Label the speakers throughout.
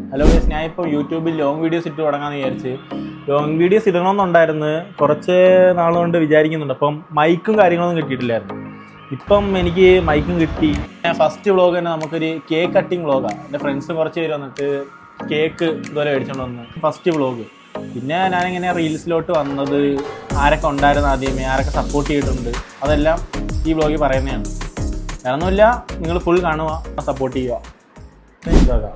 Speaker 1: Hello guys, ഞാൻ ഇപ്പോൾ യൂട്യൂബിൽ ലോങ് വീഡിയോസ് ഇട്ട് തുടങ്ങാമെന്ന് വിചാരിച്ച്. ലോങ് വീഡിയോസ് ഇടണമെന്നുണ്ടായിരുന്നു, കുറച്ച് നാളുകൊണ്ട് വിചാരിക്കുന്നുണ്ട്. അപ്പം മൈക്കും കാര്യങ്ങളൊന്നും കിട്ടിയിട്ടില്ലായിരുന്നു. ഇപ്പം എനിക്ക് മൈക്കും കിട്ടി. ഫസ്റ്റ് വ്ളോഗ് തന്നെ നമുക്കൊരു കേക്ക് കട്ടിങ് വ്ളോഗാണ്. എൻ്റെ ഫ്രണ്ട്സ് കുറച്ച് പേര് വന്നിട്ട് കേക്ക് ഇതുപോലെ മേടിച്ചോണ്ട് വന്ന് ഫസ്റ്റ് വ്ളോഗ്. പിന്നെ ഞാനിങ്ങനെ റീൽസിലോട്ട് വന്നത്, ആരൊക്കെ ഉണ്ടായിരുന്നു ആദ്യമേ, ആരൊക്കെ സപ്പോർട്ട് ചെയ്തിട്ടുണ്ട്, അതെല്ലാം ഈ വ്ളോഗിൽ പറയുന്നതാണ്. വേറൊന്നുമില്ല, നിങ്ങൾ ഫുൾ കാണുക, സപ്പോർട്ട് ചെയ്യുക. ഇതാക്കാം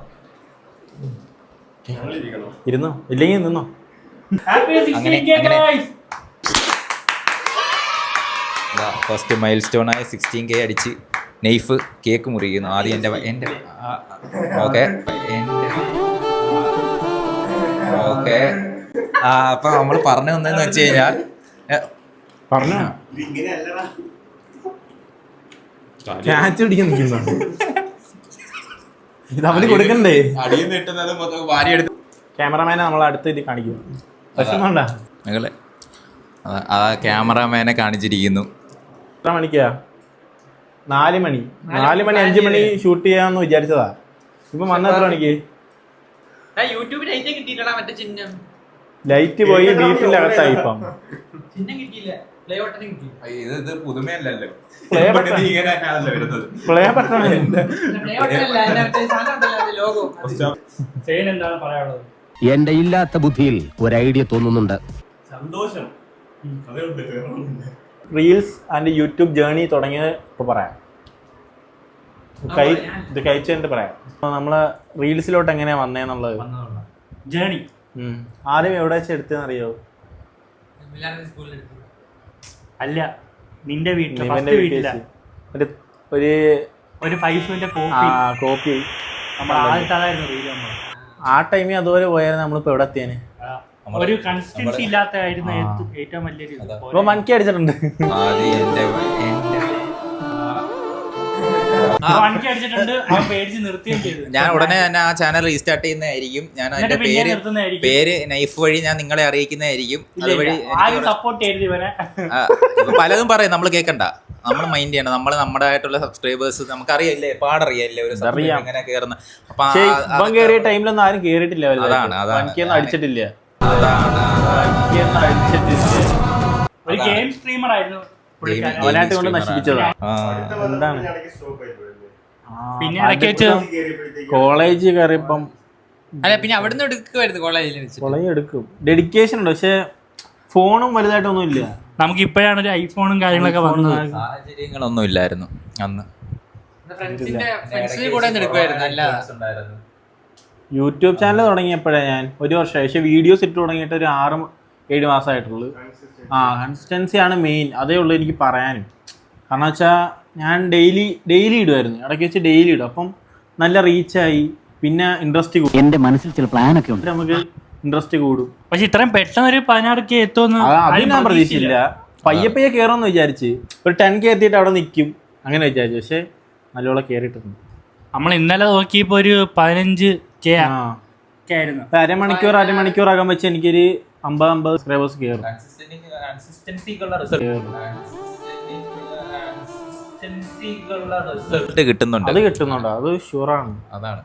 Speaker 1: ഇരുന്നോ, ഇല്ലെങ്കിൽ നിന്നോ.
Speaker 2: ഫസ്റ്റ് മൈൽ സ്റ്റോൺ ആയ 16K അടിച്ച് നെയ്ഫ് കേക്ക് മുറിക്കുന്നു. ആദ്യം എൻ്റെ ഓക്കെ ഓക്കെ അപ്പം നമ്മൾ പറഞ്ഞു വന്നതെന്ന് വെച്ച് കഴിഞ്ഞാൽ
Speaker 1: പറഞ്ഞോ, ക്യാച്ച് പിടിക്കാൻ നിൽക്കുന്നുണ്ട്. ഇത് അവന് കൊടുക്കണ്ടേ?
Speaker 2: അടിയിൽ നിട്ടുന്നത് വാരിയെടുത്ത്
Speaker 1: ക്യാമറമാനെ നമ്മൾ അടുത്ത് ഇത് കാണിക്കും. പ്രശ്നമുണ്ടാ
Speaker 2: നിങ്ങള് ആ ക്യാമറമാനെ കാണിച്ചിരിക്കുന്നു.
Speaker 1: എത്ര മണിക്കാ? 4 മണി 5 മണി ഷൂട്ട് ചെയ്യാന്ന് വിചാരിച്ചതാ. ഇപ്പൊ വന്ന എത്ര മണിക്ക്? ലൈറ്റ് പോയി, വീട്ടിന്റെ അകത്തായി. ഇപ്പം
Speaker 2: ഇത് പുതുമയല്ലല്ലോ.
Speaker 1: പ്ലേ ബട്ടൺ
Speaker 3: എന്റെ ഇല്ലാത്ത ബുദ്ധിയിൽ ഒരു ഐഡിയ തോന്നുന്നുണ്ട്.
Speaker 1: സന്തോഷം. റീൽസ് ആൻഡ് യൂട്യൂബ് ജേർണി തുടങ്ങിയത് ഇപ്പോൾ പറയാം. ഇത് കഴിച്ചിട്ട് പറയാം. നമ്മള് റീൽസിലോട്ട് എങ്ങനെയാ വന്നേന്നുള്ളത്
Speaker 4: ജേർണി.
Speaker 1: ആദ്യം എവിടെ വെച്ച് എടുത്തെന്ന് അറിയോ?
Speaker 4: അല്ല, നിന്റെ വീട്ടില് ഒരു പൈസന്റെ
Speaker 1: കോപ്പി. ആ ടൈമിൽ അതുപോലെ പോയാലും നമ്മളിപ്പോ എവിടെ എത്തിയേനെ?
Speaker 4: ഒരു കൺസിസ്റ്റൻസി ഇല്ലാത്തായിരുന്നു ഏറ്റവും വലിയൊരു.
Speaker 1: ഇപ്പൊ മൺകി അടിച്ചിട്ടുണ്ട്.
Speaker 2: ഞാൻ ഉടനെ തന്നെ ആ ചാനൽ റീസ്റ്റാർട്ട് ചെയ്യുന്നതായിരിക്കും. ഞാൻ അതിന്റെ പേര് നൈഫ് വഴി ഞാൻ നിങ്ങളെ അറിയിക്കുന്നതായിരിക്കും. അതുവഴി പലതും പറയും, നമ്മൾ കേൾക്കണ്ട, നമ്മൾ മൈൻഡ് ചെയ്യണം. നമ്മൾ നമ്മുടെ ആയിട്ടുള്ള സബ്സ്ക്രൈബേഴ്സ് നമുക്കറിയില്ലേ, പാടറിയല്ലേ ഒരു എങ്ങനെ കേറുന്ന.
Speaker 1: അപ്പൊ കേറിയ ടൈമിലൊന്നും ആരും കേറിയിട്ടില്ല. അടിച്ചിട്ടില്ല.
Speaker 4: ഒരു ഗെയിം സ്ട്രീമർ ആയിരുന്നു,
Speaker 1: അവനായിട്ട് കൊണ്ട് നശിപ്പിച്ചതാ. എന്താണ്
Speaker 4: പിന്നെ ഇടയ്ക്ക് വെച്ച്
Speaker 1: കോളേജ് കയറിയപ്പം
Speaker 5: പിന്നെ അവിടുന്ന് എടുക്കുമായിരുന്നു.
Speaker 1: കോളേജ് എടുക്കും, ഡെഡിക്കേഷൻ ഉണ്ട്. പക്ഷെ ഫോണും വലുതായിട്ടൊന്നും ഇല്ല.
Speaker 4: നമുക്ക് ഇപ്പോഴാണ് ഒരു ഐഫോണും കാര്യങ്ങളൊക്കെ വന്നത്.
Speaker 2: സാഹചര്യങ്ങളൊന്നും ഇല്ലായിരുന്നു അന്ന്.
Speaker 1: യൂട്യൂബ് ചാനൽ തുടങ്ങിയപ്പോഴേ ഞാൻ 1 വർഷമായി. പക്ഷെ വീഡിയോസ് ഇട്ട് തുടങ്ങിയിട്ട് ഒരു 6-7 മാസമായിട്ടുള്ളൂ. കൺസിസ്റ്റൻസി ആണ് മെയിൻ. അതേ ഉള്ളൂ എനിക്ക് പറയാനും. കാരണം വെച്ചാൽ ഞാൻ ഡെയിലി ഇടുമായിരുന്നു. ഇടയ്ക്ക് വെച്ച് ഡെയിലി ഇടും. അപ്പം നല്ല റീച്ചായി. പിന്നെ ഇൻട്രസ്റ്റ് കൂടും.
Speaker 3: എന്റെ മനസ്സിൽ ചില പ്ലാനൊക്കെ ഉണ്ട്.
Speaker 1: നമുക്ക് ഇൻട്രസ്റ്റ് കൂടും.
Speaker 4: പക്ഷെ ഇത്രയും പെട്ടെന്ന് ഒരു 16K എത്തുമെന്ന്
Speaker 1: അത് ഞാൻ പ്രതീക്ഷിച്ചില്ല. പയ്യെ കേറുമെന്ന് വിചാരിച്ച്. ഒരു 10K എത്തിയിട്ട് അവിടെ നിൽക്കും അങ്ങനെ വിചാരിച്ചു. പക്ഷെ നല്ലോണം കേറിയിട്ടുണ്ട്.
Speaker 4: നമ്മൾ ഇന്നലെ നോക്കിയപ്പോ ഒരു 15K ആയിരുന്നു.
Speaker 1: അരമണിക്കൂർ ആകാൻ വെച്ച് എനിക്കൊരു 50 സബ്സ്ക്രൈബേഴ്സ് കയറും.
Speaker 2: കിട്ടുന്നുണ്ട്.
Speaker 1: അത് കിട്ടുന്നുണ്ടോ? അത് ഷുവറാണ്.
Speaker 2: അതാണ്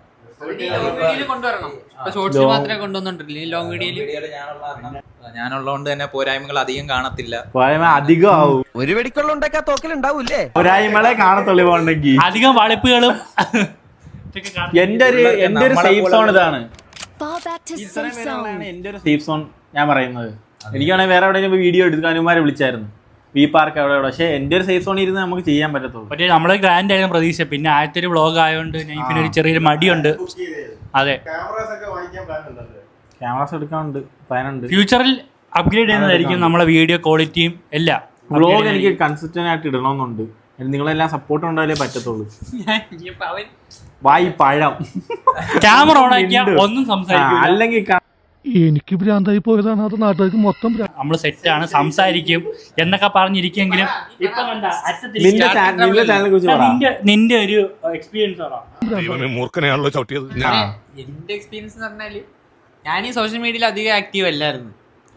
Speaker 2: ഞാനുള്ളതുകൊണ്ട് തന്നെ പോരായ്മകൾ അധികം കാണത്തില്ല.
Speaker 1: അധികം ആവും.
Speaker 3: ഒരു വെടിക്കുള്ള ഉണ്ടാക്കാ തോക്കലുണ്ടാവൂല്ലേ?
Speaker 1: പോരായ്മകളെ കാണത്തുള്ളൂ. പോകണമെങ്കിൽ
Speaker 4: അധികം വളിപ്പുകളും.
Speaker 1: എന്റെ ഒരു സേഫ് സോൺ ഇതാണ്. എന്റെ ഒരു സേഫ് സോൺ ഞാൻ പറയുന്നത്. എനിക്കാണെങ്കിൽ വേറെ എവിടെയെങ്കിലും വീഡിയോ എടുക്കാനുമാരെ വിളിച്ചായിരുന്നു, വി പാർക്ക് അവിടെ. പക്ഷെ എന്റെ ഒരു സേഫ് സോണിൽ ഇരുന്ന് നമുക്ക് ചെയ്യാൻ പറ്റത്തുള്ളൂ.
Speaker 4: പക്ഷേ നമ്മള് ഗ്രാൻഡ് ആയിരുന്നു പ്രതീക്ഷ. പിന്നെ ആദ്യത്തെ ഒരു വ്ളോഗ് ആയതുകൊണ്ട് നൈഫിന് ഒരു ചെറിയൊരു മടിയുണ്ട്. അതെ,
Speaker 1: ക്യാമറാസ് എടുക്കാനുണ്ട്, പ്ലാനുണ്ട്.
Speaker 4: ഫ്യൂച്ചറിൽ അപ്ഗ്രേഡ് ചെയ്യുന്നതായിരിക്കും നമ്മളെ വീഡിയോ ക്വാളിറ്റിയും എല്ലാം.
Speaker 1: വ്ളോഗ് എനിക്ക് കൺസിസ്റ്റന്റ് ആയിട്ട് ഇടണമെന്നുണ്ട്. നിങ്ങളെല്ലാം സപ്പോർട്ട് ഉണ്ടായാലേ പറ്റത്തുള്ളൂ. വായി പഴം
Speaker 4: ക്യാമറ ഓൺ ആക്കിയാൽ ഒന്നും സംസാരിക്കും.
Speaker 1: അല്ലെങ്കിൽ
Speaker 6: എനിക്ക് ഭ്രാന്തായി പോയതാണ്. അത് നാട്ടുകാർക്ക് മൊത്തം
Speaker 4: നമ്മള് സെറ്റാണ്, സംസാരിക്കും എന്നൊക്കെ പറഞ്ഞിരിക്കുമെങ്കിലും ഇപ്പൊ നിന്റെ ഒരു എക്സ്പീരിയൻസ്
Speaker 6: മൂർഖനെയാണല്ലോ ചവിട്ടിയത്.
Speaker 5: എന്റെ എക്സ്പീരിയൻസ് എന്ന് പറഞ്ഞാല് ഞാൻ ഈ സോഷ്യൽ മീഡിയയിൽ അധികം ആക്റ്റീവ് അല്ലായിരുന്നു.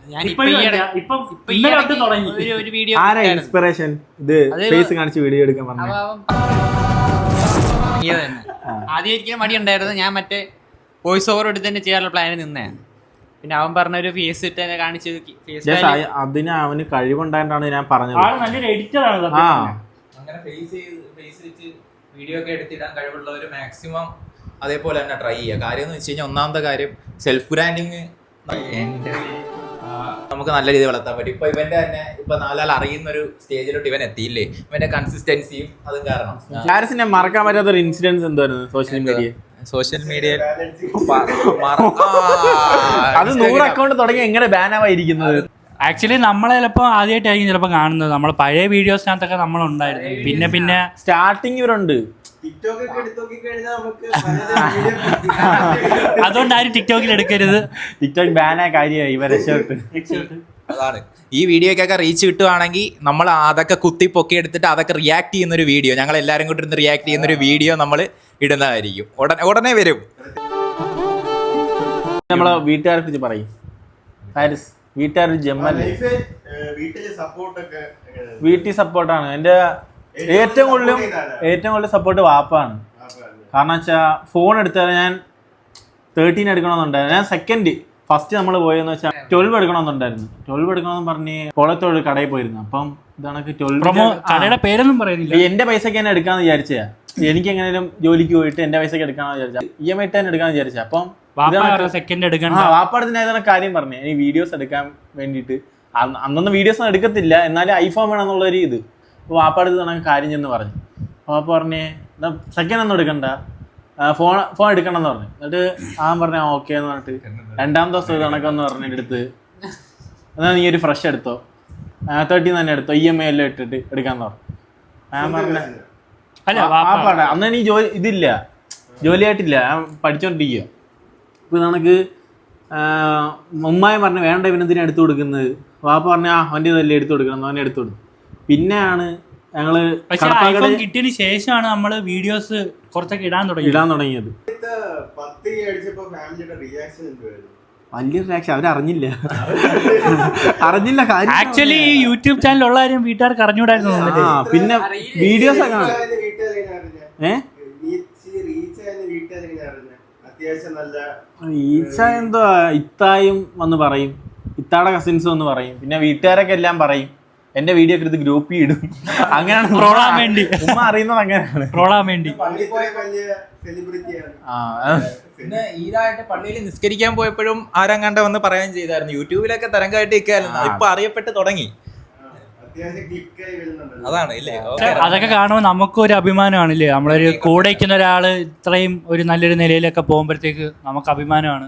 Speaker 5: ഒരു വീഡിയോ
Speaker 1: ഇൻസ്പിറേഷൻ ഇത് ഫേസ് കാണിച്ച് വീഡിയോ എടുക്കാൻ പറഞ്ഞു.
Speaker 5: ആദ്യം ഒരിക്കലും മടി ഉണ്ടായിരുന്നു. ഞാൻ മറ്റേ വോയിസ് ഓവർ എടുത്ത് തന്നെ ചെയ്യാനുള്ള പ്ലാനിൽ നിന്നേ. പിന്നെ അവൻ പറഞ്ഞ ഒരു ഫേസ് ഇട്ട് തന്നെ കാണിച്ച്
Speaker 1: അതിന് അവന് കഴിവുണ്ടായിട്ടാണ് ഞാൻ പറഞ്ഞത്.
Speaker 4: ആള് നല്ലൊരു എഡിറ്റർ ആണ്.
Speaker 2: അങ്ങനെ ഫേസ് വെച്ച് വീഡിയോ ഒക്കെ എടുത്തിടാൻ കഴിവുള്ളവർ മാക്സിമം അതേപോലെ തന്നെ ട്രൈ ചെയ്യുക. കാര്യം എന്ന് വെച്ച് കഴിഞ്ഞാൽ ഒന്നാമത്തെ കാര്യം സെൽഫ് ബ്രാൻഡിങ് നമുക്ക് നല്ല രീതിയിൽ വളർത്താൻ പറ്റും. ഇപ്പൊ ഇവന്റെ തന്നെ ഇപ്പൊ നാലാൾ അറിയുന്ന ഒരു സ്റ്റേജിലോട്ട് ഇവൻ എത്തിയില്ലേ, ഇവന്റെ കൺസിസ്റ്റൻസിയും അതും കാരണം.
Speaker 1: ഹാരിസിനെ മറക്കാൻ പറ്റാത്ത ഒരു ഇൻസിഡൻസ് എന്തായിരുന്നു സോഷ്യൽ മീഡിയ അത് 100 അക്കൗണ്ട് തുടങ്ങി എങ്ങനെ ബാനാവായിരിക്കുന്നത്?
Speaker 4: ആക്ച്വലി നമ്മളെ ചിലപ്പോൾ ആദ്യമായിട്ടായിരിക്കും ചിലപ്പോൾ കാണുന്നത്. നമ്മൾ പഴയ വീഡിയോസിനകത്തൊക്കെ നമ്മളുണ്ടായിരുന്നു. പിന്നെ
Speaker 1: സ്റ്റാർട്ടിങ് ഇവരുണ്ട്.
Speaker 4: അതുകൊണ്ട് ആരും ടിക്ടോക്കിൽ എടുക്കരുത്.
Speaker 1: ടിക്ടോക്ക് ബാനായ കാര്യമായി ഇവ രക്ഷപ്പെട്ട്.
Speaker 2: അതാണ് ഈ വീഡിയോക്കൊക്കെ റീച്ച് കിട്ടുവാണെങ്കിൽ നമ്മൾ അതൊക്കെ കുത്തി പൊക്കി എടുത്തിട്ട് അതൊക്കെ റിയാക്ട് ചെയ്യുന്നൊരു വീഡിയോ, ഞങ്ങൾ എല്ലാവരും കൂടി ഇരുന്ന് റിയാക്ട് ചെയ്യുന്നൊരു വീഡിയോ നമ്മൾ ഇടുന്നതായിരിക്കും. ഉടനെ വരും.
Speaker 1: നമ്മളെ വീട്ടുകാരെ കുറിച്ച് പറയും ഹാരിസ്. വീട്ടുകാർ ജമ്മല്ലേ, വീട്ടിൽ സപ്പോർട്ടാണ്. എൻ്റെ ഏറ്റവും കൂടുതൽ സപ്പോർട്ട് വാപ്പാണ്. കാരണം വെച്ചാൽ ഫോൺ എടുത്താൽ ഞാൻ 13 എടുക്കണമെന്നുണ്ടായിരുന്നു. ഞാൻ സെക്കൻഡ് ഫസ്റ്റ് നമ്മൾ പോയെന്ന് വെച്ചാൽ 12 എടുക്കണമെന്നുണ്ടായിരുന്നു. 12 എടുക്കണമെന്ന് പറഞ്ഞ് കോളത്തോട് കടയിൽ പോയിരുന്നു. അപ്പം ഇതാണ് 12
Speaker 4: കടയുടെ പേരൊന്നും പറയുന്നില്ല.
Speaker 1: എൻ്റെ പൈസക്ക് തന്നെ എടുക്കാന്ന് വിചാരിച്ചാ. എനിക്ക് എങ്ങനെയും ജോലിക്ക് പോയിട്ട് എൻ്റെ പൈസക്ക് എടുക്കാന്ന് വിചാരിച്ചാ, EMI ഇട്ട് തന്നെ എടുക്കാന്ന് വിചാരിച്ചാ. അപ്പം
Speaker 4: സെക്കൻഡ് എടുക്കണം.
Speaker 1: വാപ്പാടത്തിന് ഏതാണ് കാര്യം പറഞ്ഞേ, ഇനി വീഡിയോസ് എടുക്കാൻ വേണ്ടിയിട്ട്. അന്നൊന്നും വീഡിയോസ് ഒന്നും എടുക്കത്തില്ല, എന്നാലും ഐഫോൺ വേണം എന്നുള്ളൊരു ഇത്. അപ്പോൾ വാപ്പാടത്ത് കണക്ക് കാര്യം ചെന്ന് പറഞ്ഞു. വാപ്പ പറഞ്ഞേ സെക്കൻഡ് ഒന്നും എടുക്കണ്ട, ഫോൺ എടുക്കണം എന്ന് പറഞ്ഞു. എന്നിട്ട് അവൻ പറഞ്ഞ ഓക്കെ എന്ന് പറഞ്ഞിട്ട് 2ാം ദിവസം ഇത് കണക്കെന്ന് പറഞ്ഞിട്ട് എടുത്ത്, എന്നാൽ നീ ഒരു ഫ്രഷ് എടുത്തോ, 13 തന്നെ എടുത്തോ, EMI എല്ലാം ഇട്ടിട്ട് എടുക്കാന്ന് പറഞ്ഞു. ഞാൻ പറഞ്ഞ വാപ്പാട അന്ന് നീ ഇതില്ല, ജോലിയായിട്ടില്ല, ഞാൻ പഠിച്ചോണ്ടിരിക്കുക. ഇപ്പൊ നമുക്ക് ഉമ്മായി പറഞ്ഞു വേണ്ട ഇവനെന്തിനാ എടുത്തു കൊടുക്കുന്നത്. വാപ്പ പറഞ്ഞ അവൻ്റെ ഇതല്ലേ എടുത്തു കൊടുക്കണം, അവനെ എടുത്തു കൊടുത്തു. പിന്നെയാണ് ഞങ്ങള്
Speaker 4: കിട്ടിയതിന് ശേഷമാണ് നമ്മള് വീഡിയോസ് കുറച്ചൊക്കെ ഇടാൻ തുടങ്ങിയത്.
Speaker 1: വലിയ റിയാക്ഷൻ അവരറിഞ്ഞില്ല. കാര്യം.
Speaker 4: ആക്ച്വലി ഈ യൂട്യൂബ് ചാനൽ ഉള്ള കാര്യം വീട്ടുകാർക്ക് അറിഞ്ഞൂടായിരുന്നു.
Speaker 1: പിന്നെ വീഡിയോസ് ഒക്കെ ഈച്ച എന്തോ ഇത്തായും വന്ന് പറയും, ഇത്താടെ കസിൻസ് വന്ന് പറയും, പിന്നെ വീട്ടുകാരൊക്കെ എല്ലാം പറയും. എന്റെ വീഡിയോ ഒക്കെ എടുത്ത് ഗ്രൂപ്പിൽ ഇടും. അങ്ങനെയാണ് ഉമ്മ അറിയുന്നത്. അങ്ങനെയാണ്.
Speaker 2: പിന്നെ ഈരായിട്ട് പള്ളിയിൽ നിസ്കരിക്കാൻ പോയപ്പോഴും ആരും കണ്ട വന്ന് പറയാൻ ചെയ്തായിരുന്നു. യൂട്യൂബിലൊക്കെ തരംഗമായിട്ട് ഇരിക്കായിരുന്നു. ഇപ്പൊ അറിയപ്പെട്ട് തുടങ്ങി. അതാണ് ഇല്ലേ.
Speaker 4: അതൊക്കെ കാണുമ്പോൾ നമുക്കൊരു അഭിമാനമാണല്ലേ. നമ്മളൊരു കൂടെ ഇരിക്കുന്ന ഒരാള് ഇത്രയും ഒരു നല്ലൊരു നിലയിലൊക്കെ പോകുമ്പോഴത്തേക്ക് നമുക്ക് അഭിമാനമാണ്.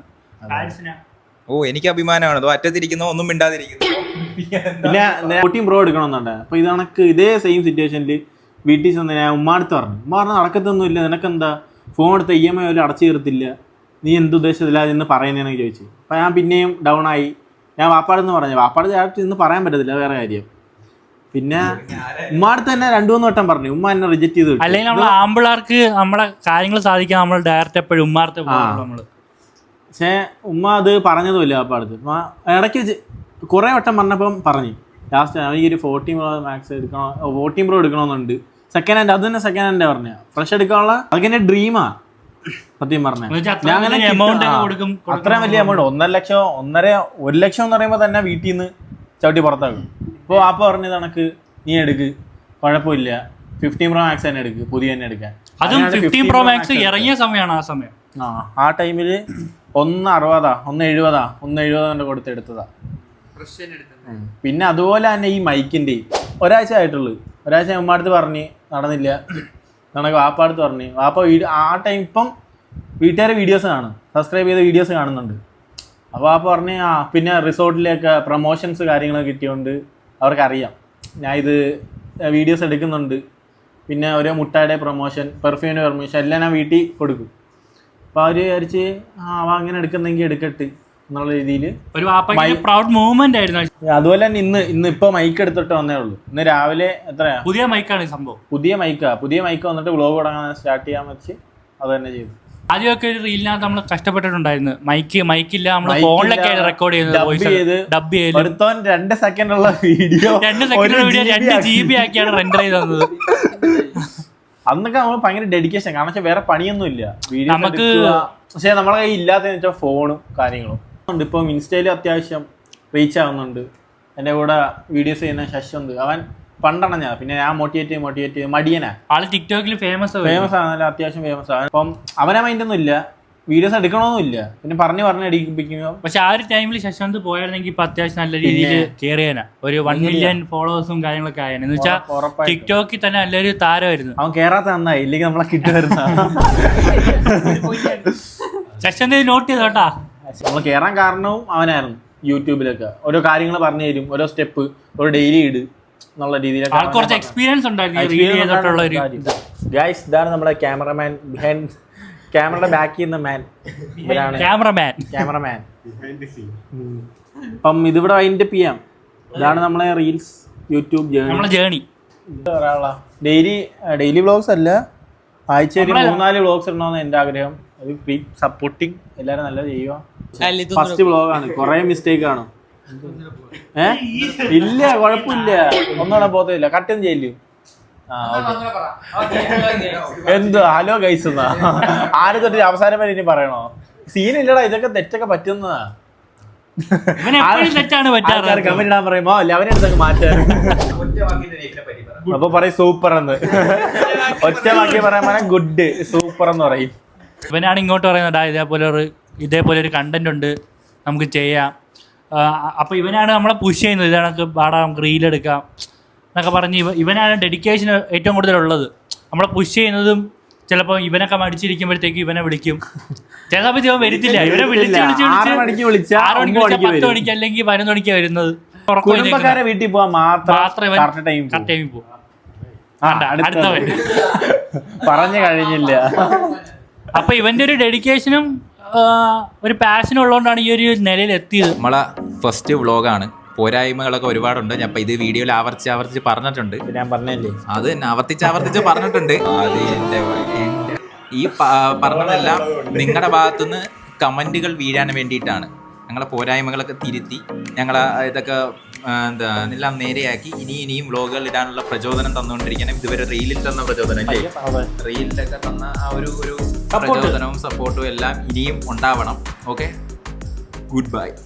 Speaker 2: എനിക്ക് അഭിമാനമാണ്. അറ്റത്തിരിക്കുന്നോ ഒന്നും മിണ്ടാതിരിക്കുന്നു.
Speaker 1: പിന്നെ 14 Pro എടുക്കണമെന്നുണ്ട്. അപ്പൊ ഇത് കണക്ക് ഇതേ സെയിം സിറ്റുവേഷനിൽ വീട്ടിൽ ചെന്ന് ഞാൻ ഉമ്മാടുത്ത് പറഞ്ഞു. ഉമ്മ പറഞ്ഞാൽ നടക്കത്തൊന്നുമില്ല, നിനക്കെന്താ ഫോൺ എടുത്ത EMI പോലും അടച്ചു തീർത്തില്ല, നീ എന്തുദ്ദേശത്തില്ല എന്ന് പറയുന്നതെന്ന് ചോദിച്ചു. അപ്പം ഞാൻ പിന്നെയും ഡൗൺ ആയി. ഞാൻ വാപ്പാടെന്ന് പറഞ്ഞു. വാപ്പാട് ഡയറക്റ്റ് ഇന്ന് പറയാൻ പറ്റത്തില്ല, വേറെ കാര്യം. പിന്നെ ഉമ്മാടുത്ത് തന്നെ 2-3 വട്ടം പറഞ്ഞു. ഉമ്മ എന്നെ റിജക്ട് ചെയ്തു.
Speaker 4: അല്ലെങ്കിൽ നമ്മളെ ആമ്പിള്ളേർക്ക് നമ്മളെ കാര്യങ്ങൾ സാധിക്കാൻ നമ്മൾ ഡയറക്റ്റ് എപ്പോഴും ഉമ്മാർത്തെ നമ്മള്.
Speaker 1: പക്ഷേ ഉമ്മ അത് പറഞ്ഞതുമില്ല വാപ്പാടുത്ത്. ഇടയ്ക്ക് കുറേ വട്ടം പറഞ്ഞപ്പം പറഞ്ഞു. ലാസ്റ്റ് എനിക്ക് ഒരു 14 Pro Max എടുക്കണം, 14 Pro എടുക്കണമെന്നുണ്ട്. സെക്കൻഡ് ഹാൻഡ്, അത് തന്നെ സെക്കൻഡ് ഹാൻഡ് പറഞ്ഞ ഫ്രഷ് എടുക്കാനുള്ള അതൊക്കെ എൻ്റെ ഡ്രീമാ സത്യം പറഞ്ഞ. ഞാൻ അങ്ങനെ അത്രയും വലിയ എമൗണ്ട് 1.5 ലക്ഷം 1 ലക്ഷം എന്ന് പറയുമ്പോൾ തന്നെ വീട്ടിൽ നിന്ന് ചവിട്ടി പുറത്താക്കും. ഇപ്പോൾ വാപ്പ പറഞ്ഞത് കണക്ക് നീ എടുക്ക്, കുഴപ്പമില്ല, 15 Pro Max തന്നെ എടുക്ക്, പുതിയ തന്നെ എടുക്കാൻ.
Speaker 4: അതും 15 Pro Max ഇറങ്ങിയ സമയമാണ് ആ സമയം.
Speaker 1: ആ ടൈമിൽ 1.60 1.70 കൊണ്ട് കൊടുത്തെടുത്തതാ. പിന്നെ അതുപോലെ തന്നെ ഈ മൈക്കിൻ്റെ ഒരാഴ്ച ആയിട്ടുള്ളൂ. ഒരാഴ്ച ഉമ്മാടുത്ത് പറഞ്ഞ് നടന്നില്ല. കണക്ക് വാപ്പാടുത്ത് പറഞ്ഞ്. വാപ്പ ആ ടൈം ഇപ്പം വീട്ടുകാരെ വീഡിയോസ് കാണും, സബ്സ്ക്രൈബ് ചെയ്ത വീഡിയോസ് കാണുന്നുണ്ട്. അപ്പോൾ വാപ്പ പറഞ്ഞ് പിന്നെ റിസോർട്ടിലേക്ക് പ്രൊമോഷൻസ് കാര്യങ്ങളൊക്കെ കിട്ടിയോണ്ട് അവർക്കറിയാം ഞാൻ ഇത് വീഡിയോസ് എടുക്കുന്നുണ്ട്. പിന്നെ ഓരോ മുട്ടായുടെ പ്രൊമോഷൻ, പെർഫ്യൂമിൻ്റെ പ്രൊമോഷൻ എല്ലാം ഞാൻ വീട്ടിൽ കൊടുക്കും. അപ്പോൾ അവർ വിചാരിച്ച് അവ അങ്ങനെ എടുക്കുന്നെങ്കിൽ എടുക്കട്ടെ എന്നുള്ള രീതിയിൽ
Speaker 4: ഒരു പ്രൗഡ് മൂവ്മെന്റ് ആയിരുന്നു.
Speaker 1: അതുപോലെ തന്നെ ഇന്ന് ഇപ്പോൾ മൈക്ക് എടുത്തിട്ട് വന്നേ ഉള്ളൂ. ഇന്ന് രാവിലെ എത്രയാ
Speaker 4: പുതിയ മൈക്കാണ് സംഭവം.
Speaker 1: പുതിയ മൈക്ക് വന്നിട്ട് വ്ളോഗ് തുടങ്ങാൻ സ്റ്റാർട്ട് ചെയ്യാൻ വെച്ച് അത് തന്നെ ചെയ്തു.
Speaker 4: ആദ്യമൊക്കെ ഒരു റീലിനകത്ത് നമ്മൾ കഷ്ടപ്പെട്ടിട്ടുണ്ടായിരുന്നു. മൈക്കില്ല, നമ്മൾ ഫോണിലൊക്കെ റെക്കോർഡ് ചെയ്ത് ഡബ് ചെയ്ത്
Speaker 1: 2 സെക്കൻഡുള്ള വീഡിയോ
Speaker 4: 2 GB ആക്കിയാണ് റെൻഡർ ചെയ്ത് തന്നത്.
Speaker 1: അന്നൊക്കെ നമ്മൾ ഭയങ്കര ഡെഡിക്കേഷൻ. കാരണം വെച്ചാൽ വേറെ പണിയൊന്നും ഇല്ല.
Speaker 4: നമുക്ക്
Speaker 1: പക്ഷേ നമ്മളെ കയ്യിൽ ഇല്ലാത്തതെന്ന് വെച്ചാൽ ഫോണും കാര്യങ്ങളും ഉണ്ട്. ഇപ്പം ഇൻസ്റ്റയിൽ അത്യാവശ്യം റീച്ച് ആവുന്നുണ്ട്. എൻ്റെ കൂടെ വീഡിയോസ് ചെയ്യുന്ന ശശുണ്ട്. അവൻ പണ്ടാണ് ഞാൻ, പിന്നെ ഞാൻ മോട്ടിവേറ്റ് മടിയനാ.
Speaker 4: ആള് ടിക്ടോക്കിൽ ഫേമസ്
Speaker 1: ആണല്ലോ, അത്യാവശ്യം ഫേമസ് ആണ്. അപ്പം അവനെ മൈൻഡൊന്നും ഇല്ല, വീഡിയോസ് എടുക്കണമെന്നില്ല, പിന്നെ പറഞ്ഞ് എടുപ്പിക്കുമ്പോൾ.
Speaker 4: പക്ഷെ ആ ഒരു ടൈമിൽ ശശാന്ത് പോയായിരുന്നെങ്കിൽ ഇപ്പൊ അത്യാവശ്യം നല്ല രീതിയിൽ കയറിയാനാ. ഒരു 1 മില്യൺ ഫോളോവേഴ്സും കാര്യങ്ങളൊക്കെ ആയിരുന്നു. എന്ന് വെച്ചാൽ ടിക്ടോക്കിൽ തന്നെ നല്ലൊരു താരമായിരുന്നു.
Speaker 1: അവൻ കേറാത്ത നന്നായി, ഇല്ലെങ്കിൽ നമ്മളെ കിട്ടുമായിരുന്നു.
Speaker 4: ശശാന്ത് നോട്ട് ചെയ്തോട്ടാ.
Speaker 1: നമ്മൾ കയറാൻ കാരണവും അവനായിരുന്നു. യൂട്യൂബിലൊക്കെ ഓരോ കാര്യങ്ങൾ പറഞ്ഞു തരും, ഓരോ സ്റ്റെപ്പ്, ഒരു ഡെയിലി ഇട് എന്നുള്ള രീതിയിലൊക്കെ.
Speaker 4: ആൾക്ക് കുറച്ച് എക്സ്പീരിയൻസ് ഉണ്ടായിരുന്നു.
Speaker 1: ഗൈസ്, ഇതാണ് നമ്മുടെ ക്യാമറമാൻ, ക്യാമറയുടെ ബാക്കിൽ നിന്ന് മാൻ, ക്യാമറമാൻ. അപ്പം ഇതിവിടെ വൈൻഡപ്പ് ചെയ്യാം. ഇതാണ് നമ്മളെ reels YouTube
Speaker 4: journey.
Speaker 1: Daily vlogs അല്ല, ആഴ്ചയിൽ 3-4 വ്ളോഗ്സ് ഇടണമെന്ന് എൻ്റെ ആഗ്രഹം. അത് ഫ്രീ സപ്പോർട്ടിങ് എല്ലാവരും നല്ല ചെയ്യുക. ഫസ്റ്റ് വ്ളോഗാണ്, കുറേ മിസ്റ്റേക്ക് ആണ്. ഇല്ല, കുഴപ്പമില്ല, ഒന്നുകൂടെ പോകത്തില്ല, കട്ടും ചെയ്യില്ല. എന്ത് ഹലോ ഗൈസ് എന്നാ ആരും തൊട്ട് അവസാനം വരെ ഇനി പറയണോ? സീനില്ലടാ, ഇതൊക്കെ തെറ്റൊക്കെ പറ്റുന്നതാ. കമന്റ് ഇടാൻ പറയുമ്പോ അല്ല അവനെടുത്തൊക്കെ മാറ്റാൻ. അപ്പൊ പറയും സൂപ്പർ എന്ന്, ഒറ്റ വാക്കി പറയാൻ ഗുഡ് സൂപ്പർ എന്ന് പറയും.
Speaker 4: ഇവനാണ് ഇങ്ങോട്ട് പറയുന്നത് ഇതേപോലെ ഒരു കണ്ടന്റ് ഉണ്ട്, നമുക്ക് ചെയ്യാം. അപ്പൊ ഇവനാണ് നമ്മളെ പുഷ് ചെയ്യുന്നത്. ഇതാണ് പാടാം, നമുക്ക് റീലെടുക്കാം എന്നൊക്കെ പറഞ്ഞ് ഇവനാണ് ഡെഡിക്കേഷൻ ഏറ്റവും കൂടുതലുള്ളത്. നമ്മളെ പുഷ് ചെയ്യുന്നതും ചിലപ്പോൾ ഇവനൊക്കെ മടിച്ചിരിക്കുമ്പോഴത്തേക്ക് ഇവനെ വിളിക്കും. ചില സമയത്ത് ഇവൻ വരുത്തില്ല. ഇവനെ വിളിച്ച് 6 മണിക്ക് 10 മണിക്ക് അല്ലെങ്കിൽ 11 മണിക്ക് വരുന്നത്.
Speaker 1: വീട്ടിൽ പോവാൻ മാത്രം
Speaker 4: കറക്റ്റ് ടൈമിൽ പോകും. അടുത്തവൻ
Speaker 1: പറഞ്ഞു കഴിഞ്ഞില്ല.
Speaker 4: അപ്പൊ ഇവന്റെ ഒരു ഡെഡിക്കേഷനും ഒരു പാഷനും ഉള്ളതുകൊണ്ടാണ് ഈ ഒരു നിലയിൽ എത്തിയത്.
Speaker 2: നമ്മളെ ഫസ്റ്റ് വ്ളോഗാണ്, പോരായ്മകളൊക്കെ ഒരുപാടുണ്ട്. ഞാൻ ഇപ്പൊ ഇത് വീഡിയോയിൽ ആവർത്തിച്ച് പറഞ്ഞിട്ടുണ്ട്.
Speaker 1: ഞാൻ പറഞ്ഞല്ലേ,
Speaker 2: അത് തന്നെ ആവർത്തിച്ച് പറഞ്ഞിട്ടുണ്ട്. അത് ഈ പറഞ്ഞതെല്ലാം നിങ്ങളുടെ ഭാഗത്തുനിന്ന് കമന്റുകൾ വീഴാൻ വേണ്ടിയിട്ടാണ്. ഞങ്ങളെ പോരായ്മകളൊക്കെ തിരുത്തി ഞങ്ങളെ ഇതൊക്കെ എല്ലാം നേരെയാക്കി ഇനിയും വ്ളോഗുകൾ ഇടാനുള്ള പ്രചോദനം തന്നുകൊണ്ടിരിക്കണം. ഇതുവരെ റീലിൽ തന്ന പ്രചോദനം അല്ലേ, റീലിലൊക്കെ തന്ന ആ ഒരു പ്രചോദനവും സപ്പോർട്ടും എല്ലാം ഇനിയും ഉണ്ടാവണം. Okay, good bye.